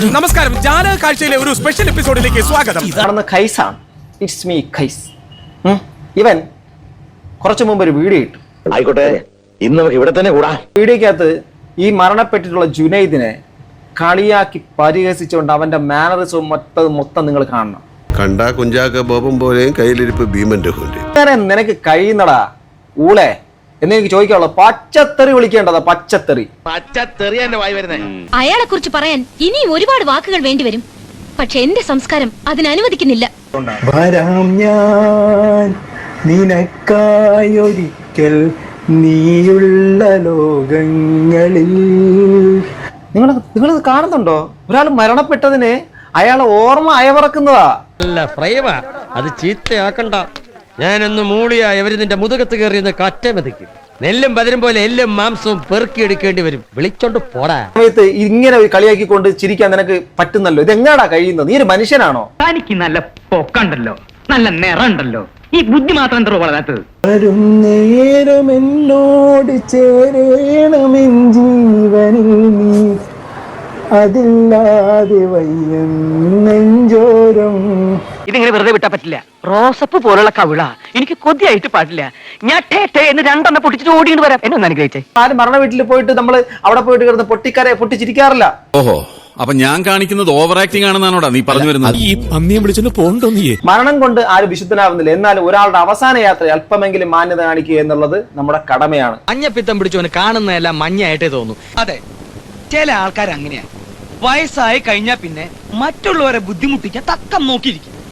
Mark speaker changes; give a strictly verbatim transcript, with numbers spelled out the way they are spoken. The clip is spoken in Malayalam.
Speaker 1: നമസ്കാരം, ജാലക കാഴ്ചയിലെ ഒരു സ്പെഷ്യൽ എപ്പിസോഡിലേക്ക് സ്വാഗതം.
Speaker 2: ഇതാണ് ഖൈസാണ്. ഇറ്റ്സ് മീ ഖൈസ്. ഇവൻ കുറച്ചു മുമ്പ് ഒരു വീഡിയോ ഇട്ടു.
Speaker 3: ആയിക്കോട്ടെ, ഇന്ന് നമുക്ക് ഇവിടെ തന്നെ കൂടാ.
Speaker 2: വീഡിയോക്കകത്ത് ഈ മരണപ്പെട്ടിട്ടുള്ള ജുനൈദിനെ കളിയാക്കി പരിഹസിച്ചുകൊണ്ട് അവന്റെ മാനറിസവും മൊത്തം മൊത്തം നിങ്ങൾ കാണണം.
Speaker 4: കണ്ടാ കുഞ്ചാക്ക ബോബം പോലെയും കയ്യിലിരിപ്പ് ഭീമന്റെ
Speaker 2: അങ്ങനെ നിനക്ക് കഴിയുന്നടാ ഊളെ എന്ന് എനിക്ക് ചോദിക്കാനുള്ളൂ. പച്ചത്തെറി വിളിക്കേണ്ടതാ, പച്ചത്തെറി.
Speaker 3: പച്ചത്തെറി എന്റെ വായി വരുന്നേ.
Speaker 5: അയാളെ കുറിച്ച് പറയാൻ ഇനിയും ഒരുപാട് വാക്കുകൾ വേണ്ടിവരും. പക്ഷെ എന്റെ സംസ്കാരം അതിനനുവദിക്കുന്നില്ല.
Speaker 6: വരാം ഞാൻ നിനക്കായൊരിക്കൽ നീയുള്ള ലോകങ്ങളിൽ.
Speaker 2: നിങ്ങൾ നിങ്ങളിത് കാണുന്നുണ്ടോ? ഒരാൾ മരണപ്പെട്ടതിന് അയാളെ ഓർമ്മ അയവറക്കുന്നതാ.
Speaker 7: അല്ല ഫ്രൈമാ, അത് ചീത്തയാക്കണ്ട. ഞാനൊന്ന് മൂളിയാ ഇവര് നിന്റെ മുതുകത്ത് കയറിയെന്ന് കറ്റ മെതിക്കും. നെല്ലും പതിരും പോലെ എല്ലും മാംസവും പെറുക്കിയെടുക്കേണ്ടി വരും. വിളിച്ചോണ്ട് പോടാ.
Speaker 2: സമയത്ത് ഇങ്ങനെ കളിയാക്കിക്കൊണ്ട് ചിരിക്കാൻ നിനക്ക് പറ്റുന്നല്ലോ. ഇതെങ്ങാടാ കഴിയുന്നത്? നീ ഒരു മനുഷ്യനാണോ?
Speaker 8: തനിക്ക് നല്ല പൊക്കണ്ടല്ലോ, നല്ല നിറണ്ടല്ലോ, ഈ ബുദ്ധി മാത്രം എന്തോ വളരാത്തത്.
Speaker 6: വരും നേരം എന്നോട് ചേരേണമെൻ ജീവനിൽ നീ, അതില്ലാതെ വയ്യം നെഞ്ചോരം.
Speaker 8: ഇതിങ്ങനെ വെറുതെ വിട്ടാ പറ്റില്ല. റോസപ്പ് പോലുള്ള കവിള എനിക്ക് കൊതിയായിട്ട് പാടില്ല. ഞാൻ ടേ ടേ എന്ന് രണ്ടെണ്ണം പൊട്ടിച്ചിട്ട് ഓടിയിട്ട് വരാം. എന്നെ ഒന്ന് അനുഗ്രഹിച്ചേ.
Speaker 2: ആരും മരണ വീട്ടിൽ പോയിട്ട് നമ്മൾ അവിടെ പോയിട്ട് കിടന്ന് പൊട്ടിക്കരെ പൊട്ടിച്ചിരിക്കാറില്ല.
Speaker 9: ഓഹോ, അപ്പൊ ഞാൻ കാണിക്കുന്നത് ഓവർ ആക്ടിംഗ് ആണെന്നാണോടാ നീ പറഞ്ഞു വരുന്നത്?
Speaker 1: ഈ പന്നിയെ വിളിച്ചൊന്ന് പോണ്ടോ നീ?
Speaker 2: മരണം കൊണ്ട് ആരും വിശുദ്ധനാവുന്നില്ല. എന്നാൽ ഒരാളുടെ അവസാന യാത്ര അല്പമെങ്കിലും മാന്യത കാണിക്കുക എന്നുള്ളത് നമ്മുടെ കടമയാണ്.
Speaker 7: മഞ്ഞപ്പിത്തം പിടിച്ചവന് കാണുന്നതെല്ലാം മഞ്ഞായിട്ടേ തോന്നുന്നു.
Speaker 8: അതെ, ചില ആൾക്കാർ അങ്ങനെയാ. വയസ്സായി കഴിഞ്ഞാ പിന്നെ മറ്റുള്ളവരെ ബുദ്ധിമുട്ടിക്കാൻ തക്കം നോക്കിയിരിക്കും.